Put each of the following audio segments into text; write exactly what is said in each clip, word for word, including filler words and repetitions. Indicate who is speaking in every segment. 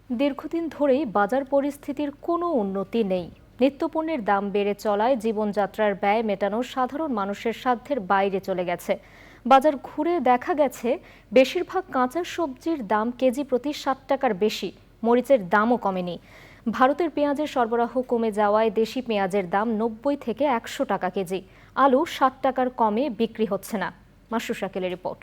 Speaker 1: দীর্ঘদিন ধরেই বাজার পরিস্থিতির কোনো উন্নতি নেই। নিত্যপণ্যের দাম বেড়ে চলায় জীবনযাত্রার ব্যয় মেটানো সাধারণ মানুষের সাধ্যের বাইরে চলে গেছে। বাজার ঘুরে দেখা গেছে বেশিরভাগ কাঁচা সবজির দাম কেজি প্রতি ষাট টাকার বেশি, মরিচের দামও কমেনি। ভারতের পেঁয়াজের সরবরাহ কমে যাওয়ায় দেশি পেঁয়াজের দাম নব্বই থেকে একশো টাকা কেজি, আলু ষাট টাকার কমে বিক্রি হচ্ছে না। মাসরুর শাকিলের রিপোর্ট।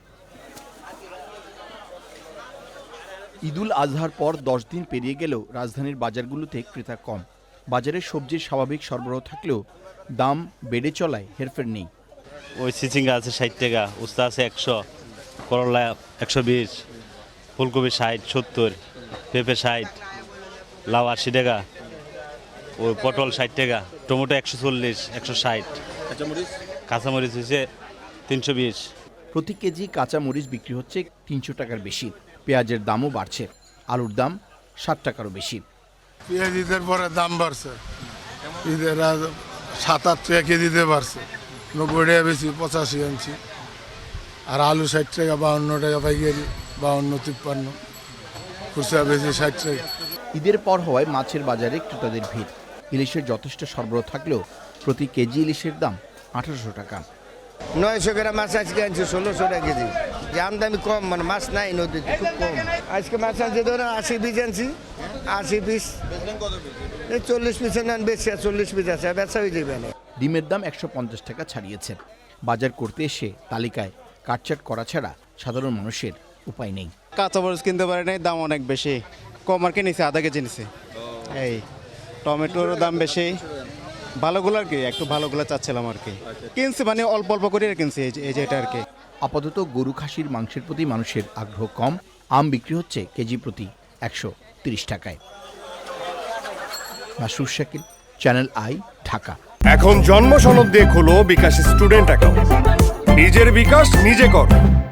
Speaker 2: ঈদুল আজহার পর দশ দিন পেরিয়ে গেলেও রাজধানীর বাজারগুলোতে ক্রেতা কম। বাজারে সবজির স্বাভাবিক সরবরাহ থাকলেও দাম বেড়ে চলায় হেরফের নেই।
Speaker 3: ওই চিচিঙ্গা আছে ষাট টাকা, উস্তা আছে একশো, করলা একশো বিশ, ফুলকপি ষাট সত্তর, পেঁপে ষাট, লাউ আশি টাকা, ওই পটল ষাট টাকা, টমেটো একশো চল্লিশ, একশো ষাট, কাঁচামরিচ কাঁচামরিচ হচ্ছে তিনশো বিশ।
Speaker 2: প্রতি কেজি কাঁচা মরিচ বিক্রি হচ্ছে তিনশো টাকার বেশি। পেঁয়াজের দামও বাড়ছে, আলুর দাম ষাট টাকারও বেশি।
Speaker 4: পেঁয়াজ ঈদের পরে দাম বাড়ছে, ঈদের সাত আট টাকা কেজিতে বাড়ছে, নব্বই টাকা বেশি, পঁচাশি আনছি। আর আলু ষাট টাকা, বাউন্ন টাকা পাইকারি, বাউন্ন তিপ্পান্ন, খুচরা বেশি ষাট টাকা।
Speaker 2: ঈদের পর হওয়ায় মাছের বাজারে ক্রেতাদের ভিড়। ইলিশের যথেষ্ট সরবরাহ থাকলেও প্রতি কেজি ইলিশের দাম আঠারোশো টাকা।
Speaker 5: নয়শো গ্রাম মাছ আজকে আনছি ষোলোশো টাকা কেজি। যে আমদানি কম, মানে মাছ নাই নদীতে, খুব কম। আজকে মাছ আনছি ধরেন আশি পিস আনছি, আশি পিস এই চল্লিশ পিস নেন, বেশি চল্লিশ পিস আছে, বেচা হয়ে যাবে না।
Speaker 2: ডিমের দাম একশো পঞ্চাশ টাকা ছাড়িয়েছে। বাজার করতে এসে তালিকায় কাটছাট করা ছাড়া সাধারণ মানুষের উপায় নেই।
Speaker 6: কাঁচামরিচ কিনতে পারে নাই, দাম অনেক বেশি। কম আর কি নিছে, আধা কেজি নিছে। এই টমেটোর দাম বেশি, ভালোগুলো আর কি, একটু ভালোগুলো চাচ্ছিলাম আর কি, কিনছি মানে অল্প অল্প করে কিনছি এই যে এটা আর কি।
Speaker 2: আপাতত গরু খাসির মাংসের প্রতি মানুষের আগ্রহ কম। আম বিক্রি হচ্ছে কেজি প্রতি একশো তিরিশ টাকায়। Masrur Shakil, channel I, Dhaka.
Speaker 7: এখন জন্ম সনদ দিয়ে খোলো বিকাশ স্টুডেন্ট অ্যাকাউন্ট। নিজের বিকাশ নিজে কর।